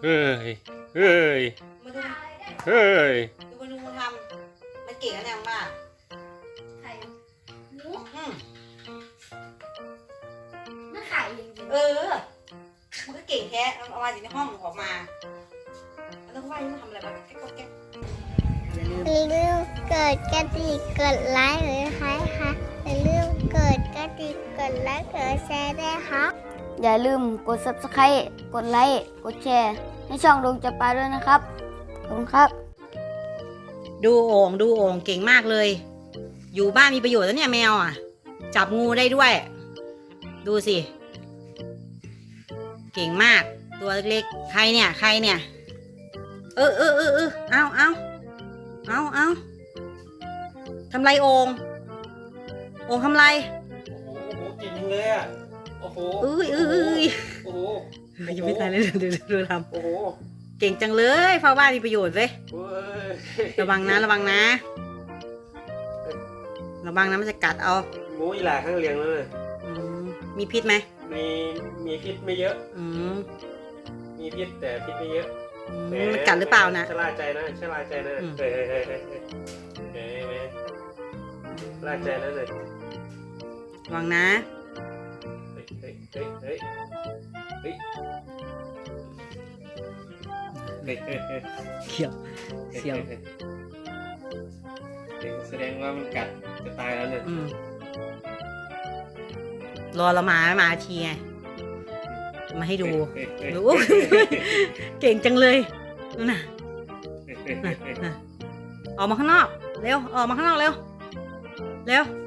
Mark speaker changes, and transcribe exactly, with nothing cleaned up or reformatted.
Speaker 1: เฮ้ยเฮ้ย
Speaker 2: มาดู
Speaker 1: เฮ้ย
Speaker 2: ดูมาดูมันทำมันเก่งนะเนี่ยมาก
Speaker 3: ไข่หมู
Speaker 2: อืม
Speaker 3: ไม่ไข่จริง
Speaker 2: เออมันก็เก่งแท้เอามาจากในห้องออกมาแล้วก็ว่ามันทำอะไรแบบแก๊กแก๊กอย่าลืม
Speaker 4: อย่าลืมกดกระดิ่งกดไลค์หรือค่ะค่ะอย่าลืมกดกระดิ่งกดไลค์กดแชร์ด้วยค่ะอย่าลืมกด ซับสไครบ์ กดไลค์กดแชร์ให้ช่องดวงจับปลาด้วยนะครับขอบคุณครับ
Speaker 2: ดูโอ่งดูโอ่งเก่งมากเลย อยู่บ้านมีประโยชน์แล้วเนี่ยแมวอ่ะ จับงูได้ด้วย ดูสิ เก่งมาก ตัวเล็กๆใครเนี่ยใครเนี่ย เออเออเออเออเอาเอาเอาเอาทำไรโอ่งโอ่งทำไร
Speaker 1: โอ้โหเก่งจังเลยอ่ะโอ้โห
Speaker 2: เอ้ยเอ้ยเอ้ย
Speaker 1: โอ้โห
Speaker 2: ยังไม่ตายเลยเดี๋ยวเดี๋ยวดูท
Speaker 1: โอ้โห
Speaker 2: ำเก่งจังเลยเฝ้าบ้านมีประโยชน์เว้ย
Speaker 1: เว้ย
Speaker 2: ระวังนะระวังนะ ระวังนะมันจะกัดเอา
Speaker 1: หมูอีหลาข้างเลี้ยงแล้วเลย
Speaker 2: อืมมีพิษไหม
Speaker 1: มีมีพิษไม่เยอะ
Speaker 2: อืม
Speaker 1: มีพิษแต่พิษไม่เยอะ
Speaker 2: อืมมันกัดหรือเปล่านะ
Speaker 1: ชะล่าใจนะชะล่าใจนะ
Speaker 2: อืม
Speaker 1: เฮ้ยเฮ้ยเฮ้ยเฮ้ยเฮ้ยเฮ้ยเฮ้ยชะล่าใจนะเลย
Speaker 2: ระวังนะ
Speaker 1: เฮ้ยเฮ้ยเฮ้ยเฮ้ยเฮ้ยเฮ้ยเฮ้ยเฮ้ย
Speaker 2: เขียวเสียว
Speaker 1: เฮ้ยแสดงว่ามันกัดจะตายแล้วเนี่ย
Speaker 2: อืมรอเรามามาทีไงมาให้ดู
Speaker 1: เฮ้ยเฮ้ย
Speaker 2: รู้
Speaker 1: เฮ้ยเฮ้ย
Speaker 2: เก่งจังเลยนู่นน่ะ
Speaker 1: เฮ้ยเฮ้ยเฮ้ย
Speaker 2: น่ะออกมาข้างนอกเร็วออกมาข้างนอกเร็วเร็ว